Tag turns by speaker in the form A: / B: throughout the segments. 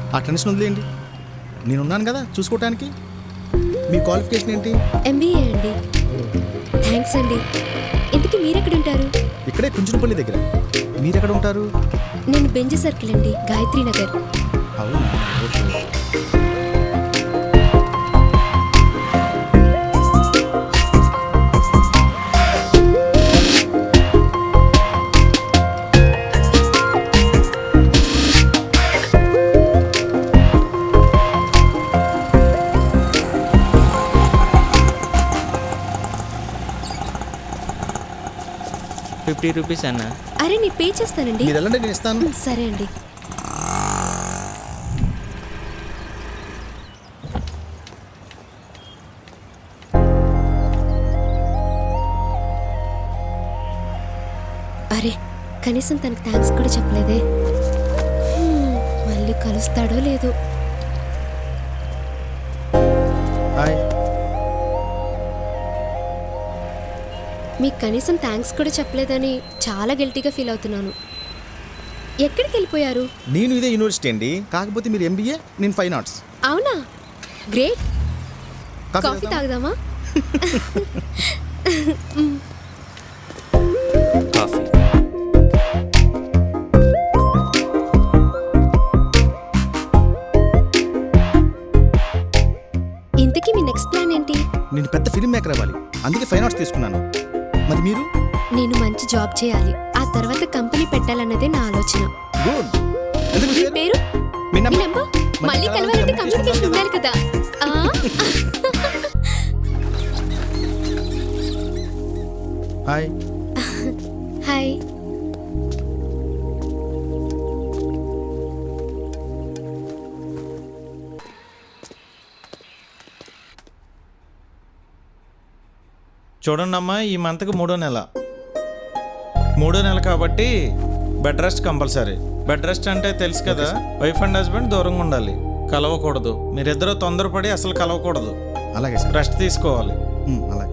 A: ఆ టెన్షన్ వదిలేయండి, నేనున్నాను కదా చూసుకోవటానికి. మీ క్వాలిఫికేషన్ ఏంటి?
B: MBA అండి. థ్యాంక్స్ అండి. ఇంతకీ మీరెక్కడ ఉంటారు?
A: ఇక్కడే కుంచునపల్లి దగ్గర. మీరెక్కడ ఉంటారు?
B: నేను బెంజ్ సర్కిల్ అండి, గాయత్రి నగర్.
A: అవునా, ఓకే.
C: ₹50 అన్న.
B: అరే నేను పే చేస్తానండి.
A: మీరు వెళ్ళండి, నేను ఇస్తాను.
B: సరే అండి. అరే కనీసం తనకు థ్యాంక్స్ కూడా చెప్పలేదే. మళ్ళీ కలుస్తాడో లేదో.
A: హాయ్.
B: మీకు కనీసం థ్యాంక్స్ కూడా చెప్పలేదని చాలా గిల్టీగా ఫీల్ అవుతున్నాను. ఎక్కడికి వెళ్ళిపోయారు?
A: నేను ఇదే యూనివర్సిటీ అండి, కాకపోతే మీరు MBA, నేను ఫైన్ ఆర్ట్స్.
B: అవునా, గ్రేట్. కాఫీ తాగుదామా?
C: కాఫీ.
B: ఇంతకీ మీ నెక్స్ట్ ప్లాన్ ఏంటి?
A: నేను పెద్ద ఫిల్మ్ మేకర్ అవ్వాలి, అందుకే ఫైన్ ఆర్ట్స్ తీసుకున్నాను. మరి మీరు?
B: నేను మంచి జాబ్ చేయాలి, ఆ తర్వాత కంపెనీ పెట్టాలన్నదే నా ఆలోచన.
A: గుడ్. ఎందుకు
B: మీ పేరు?
A: మీ
B: మీ
A: నంబర్?
B: నంబర్? మళ్ళీ కలవాలంటే కమ్యూనికేషన్ ఉండాలి కదా.
A: హాయ్.
B: హాయ్.
D: చూడండి అమ్మా, ఈ మంత్కి 3వ నెల. 3వ నెల కాబట్టి bed rest compulsory. Bed rest అంటే తెలుసు కదా, వైఫ్ అండ్ హస్బెండ్ దూరంగా ఉండాలి, కలవకూడదు. మీరిద్దరూ తొందరపడి అసలు కలవకూడదు.
A: అలాగే సార్.
D: రెస్ట్ తీసుకోవాలి.
A: అలాగే.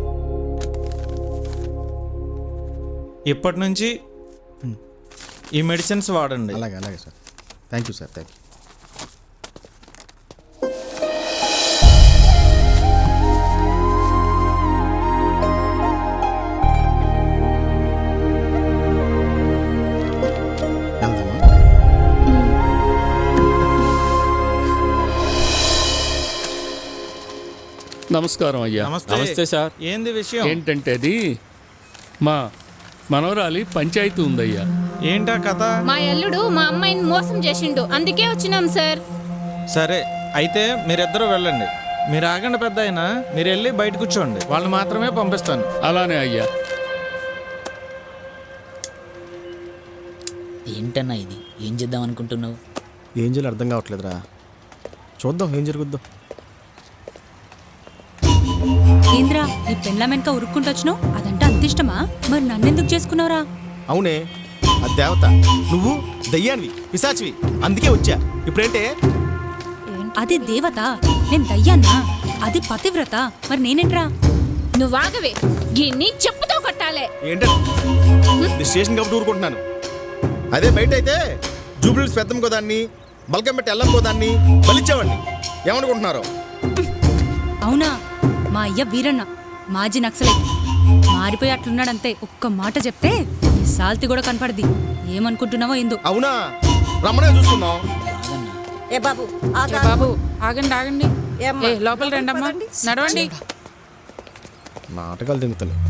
D: ఇప్పటి నుంచి ఈ మెడిసిన్స్ వాడండి.
A: అలాగే అలాగే sir. Thank you sir, thank you.
E: నమస్కారం అయ్యా.
D: నమస్తే సార్. ఏంది విషయం?
E: ఏంటంటే అది మా మనవరాలి పంచాయతీ ఉందయ్యా.
D: ఏంటా కథ?
F: మా అల్లుడు మా అమ్మాయిని మోసం చేసిండు, అందుకే వచ్చినాం సార్.
D: సరే అయితే మీరిద్దరూ వెళ్ళండి. మీరు ఆగండి పెద్ద అయినా, మీరు వెళ్ళి బయట కూర్చోండి, వాళ్ళు మాత్రమే పంపిస్తాను.
E: అలానే అయ్యా.
G: ఏంటన్నా ఇది, ఏం చేద్దాం అనుకుంటున్నావు?
A: ఏం చేయాలో అర్థం కావట్లేదురా. చూద్దాం ఏం జరుగుద్దాం.
H: ఏంద్రా నీ పెళ్ళాం వెనక ఉరుక్కుంటొచ్చినావు? అదంటే అంత ఇష్టమా? మరి నన్నెందుకు చేసుకున్నావురా?
A: అవునే, అది దేవత, నువ్వు దయ్యానివి, పిశాచివి, అందుకే వచ్చా. ఇప్పుడేంటే?
H: అది దేవత, నేను దయ్యాన్నా. అది పతివ్రత, మరి నేనేంట్రా?
F: నువ్వాగవే, గిన్ని చెప్పుతో కొట్టాలే.
A: ఏంటంటే స్టేషన్ కాబట్టి ఊరుకుంటున్నాను. అదే బయట అయితే జూబ్లీస్ పెద్దమ్మ కోదాన్ని, బల్కం పెట్టి ఎల్లం కోదాన్ని బలిచ్చేవాడిని. ఏమనుకుంటున్నారు?
H: అవునా? మా అయ్య వీరన్న మాజీ నక్సలైట్, మారిపోయి అట్లున్నాడంతే. ఒక్క మాట చెప్తే నీ సాల్తి కూడా కనపడది. ఏమనుకుంటున్నావో ఏందో.
A: అవునా, రమ్మనే చూస్తున్నావు.
I: ఏ బాబు
F: బాబు ఆగండి ఆగండి, లోపల రండమ్మా, నడవండి.
A: నాటకాలు తింగుతాను.